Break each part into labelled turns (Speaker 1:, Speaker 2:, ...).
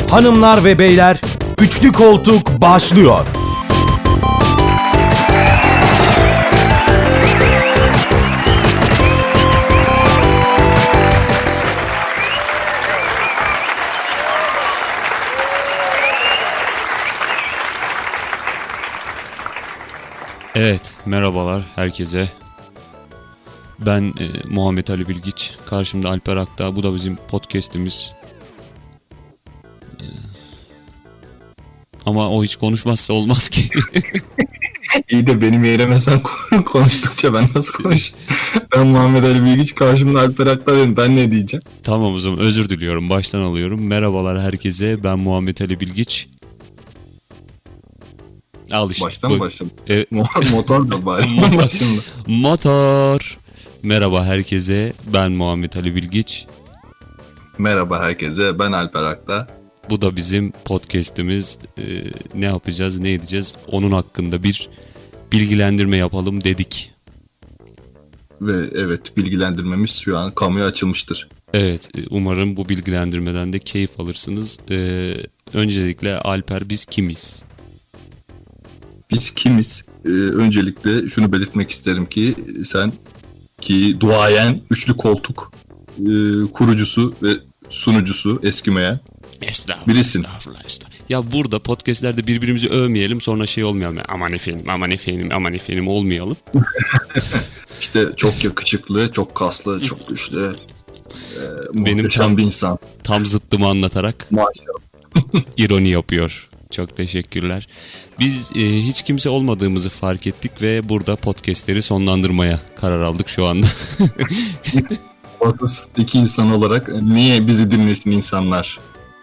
Speaker 1: Hanımlar ve beyler, Üçlü Koltuk başlıyor.
Speaker 2: Evet, merhabalar herkese. Ben Muhammed Ali Bilgiç. Karşımda Alper Akdağ. Bu da bizim podcast'imiz. Ama o hiç konuşmazsa olmaz ki.
Speaker 3: İyi de benim yerime sen konuştukça ben nasıl konuşayım? Ben Muhammed Ali Bilgiç, karşımda Alper Akdağ dedim. Ben ne diyeceğim?
Speaker 2: Tamam, o zaman özür diliyorum. Baştan alıyorum. Merhabalar herkese. Ben Muhammed Ali Bilgiç. Al işte.
Speaker 3: Baştan mı başladım? Motor da bari.
Speaker 2: Motor. Motor. Merhaba herkese. Ben Muhammed Ali Bilgiç.
Speaker 3: Merhaba herkese. Ben Alper Akdağ.
Speaker 2: Bu da bizim podcast'imiz. Ne yapacağız, ne edeceğiz? Onun hakkında bir bilgilendirme yapalım dedik.
Speaker 3: Ve evet, bilgilendirmemiz şu an kamuya açılmıştır.
Speaker 2: Evet, umarım bu bilgilendirmeden de keyif alırsınız. Öncelikle Alper, biz kimiz?
Speaker 3: Biz kimiz? Öncelikle şunu belirtmek isterim ki sen ki duayen Üçlü Koltuk kurucusu ve sunucusu eskimeyen birisin.
Speaker 2: Estağfurullah. Ya burada podcastlerde birbirimizi övmeyelim, sonra şey olmayalım. Aman efendim olmayalım.
Speaker 3: İşte çok yakışıklı, çok kaslı, çok güçlü,
Speaker 2: Benim
Speaker 3: muhteşem bir insan.
Speaker 2: Tam zıttımı anlatarak
Speaker 3: Maşallah.
Speaker 2: ironi yapıyor. Çok teşekkürler. Biz hiç kimse olmadığımızı fark ettik ve burada podcastleri sonlandırmaya karar aldık şu anda.
Speaker 3: Vasıfsız iki insan olarak niye bizi dinlesin insanlar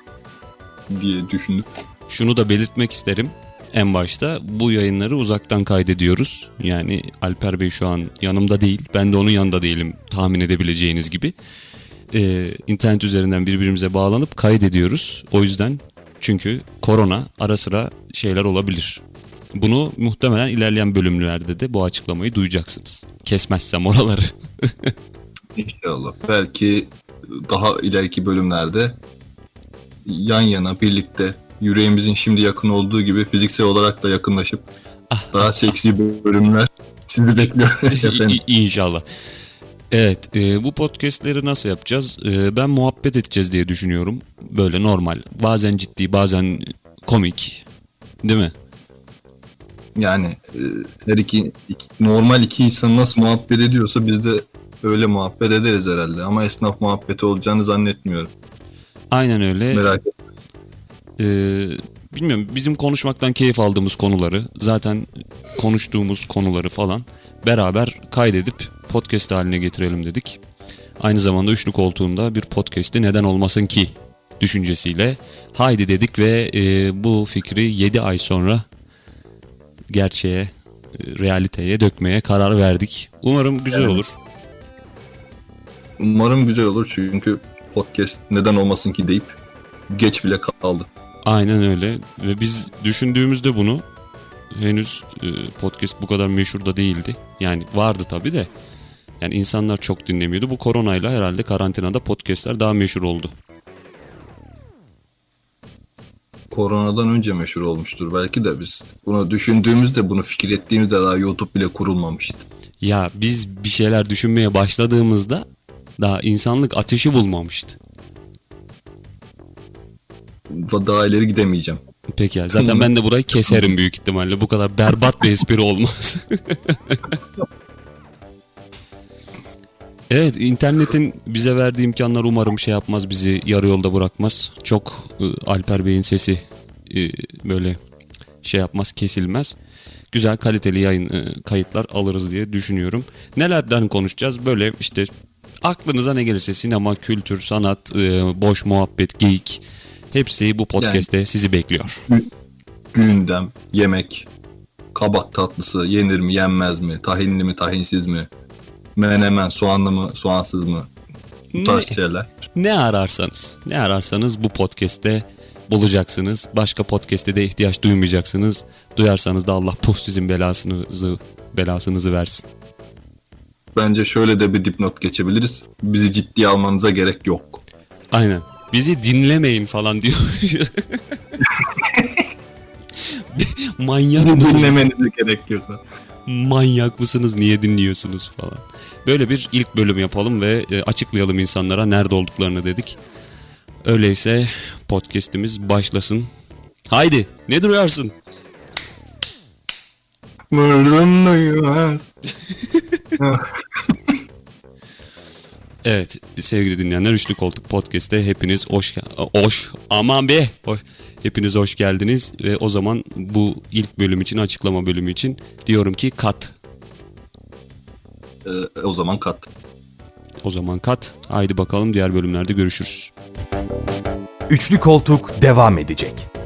Speaker 3: diye düşündüm.
Speaker 2: Şunu da belirtmek isterim. En başta bu yayınları uzaktan kaydediyoruz. Yani Alper Bey şu an yanımda değil. Ben de onun yanında değilim, tahmin edebileceğiniz gibi. İnternet üzerinden birbirimize bağlanıp kaydediyoruz. O yüzden, çünkü korona, ara sıra şeyler olabilir. Bunu muhtemelen ilerleyen bölümlerde de bu açıklamayı duyacaksınız. Kesmezsem oraları.
Speaker 3: İnşallah. Belki daha ileriki bölümlerde yan yana birlikte yüreğimizin şimdi yakın olduğu gibi fiziksel olarak da yakınlaşıp daha seksi bölümler sizi bekliyor efendim.
Speaker 2: İnşallah. Evet, bu podcastleri nasıl yapacağız? Ben muhabbet edeceğiz diye düşünüyorum. Böyle normal. Bazen ciddi, bazen komik. Değil mi?
Speaker 3: Yani her normal iki insan nasıl muhabbet ediyorsa biz de öyle muhabbet ederiz herhalde. Ama esnaf muhabbeti olacağını zannetmiyorum.
Speaker 2: Aynen öyle.
Speaker 3: Merak etme.
Speaker 2: Bilmiyorum, bizim konuşmaktan keyif aldığımız konuları, zaten konuştuğumuz konuları falan beraber kaydedip podcast haline getirelim dedik. Aynı zamanda Üçlü Koltuğu'nda bir podcast'i neden olmasın ki düşüncesiyle haydi dedik ve bu fikri 7 ay sonra gerçeğe, realiteye dökmeye karar verdik. Umarım güzel olur.
Speaker 3: Umarım güzel olur, çünkü podcast neden olmasın ki deyip geç bile kaldı.
Speaker 2: Aynen öyle ve biz düşündüğümüzde bunu, henüz podcast bu kadar meşhur da değildi. Yani vardı tabii de, yani insanlar çok dinlemiyordu. Bu koronayla herhalde karantinada podcastler daha meşhur oldu.
Speaker 3: Koronadan önce meşhur olmuştur belki de biz. Bunu düşündüğümüzde, bunu fikir ettiğimizde daha YouTube bile kurulmamıştı.
Speaker 2: Ya biz bir şeyler düşünmeye başladığımızda daha insanlık ateşi bulmamıştı.
Speaker 3: Daha ileri gidemeyeceğim.
Speaker 2: Peki ya, zaten ben de burayı keserim büyük ihtimalle. Bu kadar berbat bir espri olmaz. Evet, internetin bize verdiği imkanlar umarım şey yapmaz, bizi yarı yolda bırakmaz. Çok Alper Bey'in sesi böyle şey yapmaz, kesilmez. Güzel, kaliteli yayın kayıtlar alırız diye düşünüyorum. Nelerden konuşacağız? Böyle işte aklınıza ne gelirse, sinema, kültür, sanat, boş muhabbet, geyik, hepsi bu podcast'te yani, sizi bekliyor.
Speaker 3: Gündem, yemek, kabak tatlısı yenir mi yenmez mi, tahinli mi tahinsiz mi, menemen soğanlı mı soğansız mı, bu tarz şeyler.
Speaker 2: Ne ararsanız bu podcast'te bulacaksınız. Başka podcast'e de ihtiyaç duymayacaksınız. Duyarsanız da Allah sizin belasınızı versin.
Speaker 3: Bence şöyle de bir dipnot geçebiliriz. Bizi ciddiye almanıza gerek yok.
Speaker 2: Aynen. Bizi dinlemeyin falan diyor. Manyak mısınız?
Speaker 3: Dinlemenize gerek yok.
Speaker 2: Manyak mısınız? Niye dinliyorsunuz falan. Böyle bir ilk bölüm yapalım ve açıklayalım insanlara nerede olduklarını dedik. Öyleyse podcast'imiz başlasın. Haydi, ne duruyorsun?
Speaker 3: Vurdum duymaz.
Speaker 2: Evet, sevgili dinleyenler, Üçlü Koltuk Podcast'te hepiniz hepiniz hoş geldiniz ve o zaman bu ilk bölüm için, açıklama bölümü için diyorum ki kat.
Speaker 3: O zaman kat.
Speaker 2: O zaman kat. Haydi bakalım, diğer bölümlerde görüşürüz.
Speaker 1: Üçlü Koltuk devam edecek.